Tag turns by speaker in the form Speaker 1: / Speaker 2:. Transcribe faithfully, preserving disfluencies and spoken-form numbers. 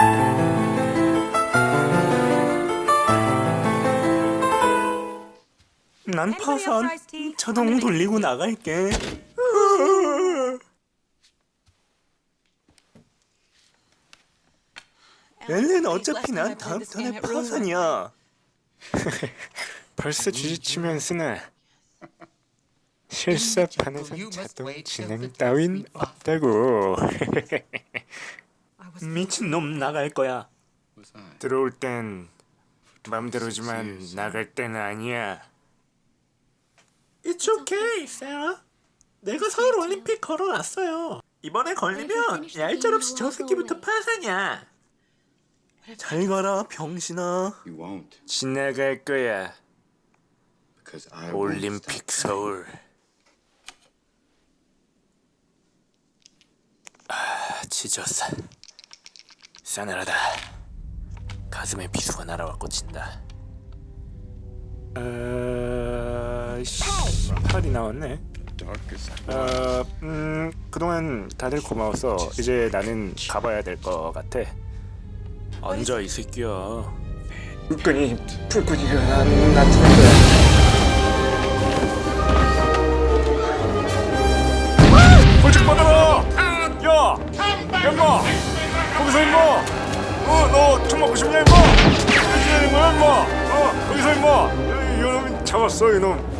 Speaker 1: 난 파산 자동 돌리고 나갈게. 엘렌 어차피 난 다음 턴에 파산이야.
Speaker 2: 벌써 주지치면 쓰나. 실사판에선 자동 진행 따윈 없다고.
Speaker 1: 미친놈 나갈 거야.
Speaker 2: 들어올 땐 맘대로지만 나갈 때는 아니야.
Speaker 1: It's okay, Sarah. 내가 서울 올림픽 걸어놨어요. 이번에 걸리면 얄짤없이 저 새끼부터 파산이야. 잘 가라, 병신아.
Speaker 3: You won't.
Speaker 2: 지나갈 거야.
Speaker 3: Because I won't
Speaker 2: 올림픽
Speaker 3: stop.
Speaker 2: 서울. 아, 지졌어. 싸늘하다. 가슴에 비수가 날아와 꽂힌다. 어... 씨, 팔이 나왔네.
Speaker 3: Darkest
Speaker 2: 어... 음... 그동안 다들 고마워서 이제 나는 가봐야 될 것 같아. 앉아 이 새끼야. 불끈이 불끈이가 난 나타난 거야. 벌칙 받아라! 야! 야 임마! 거기서 임마! 어, 너 총 맞고 싶냐 임마? 어디야 임마 임마! 어, 거기서 임마! 이, 이놈 잡았어 이놈.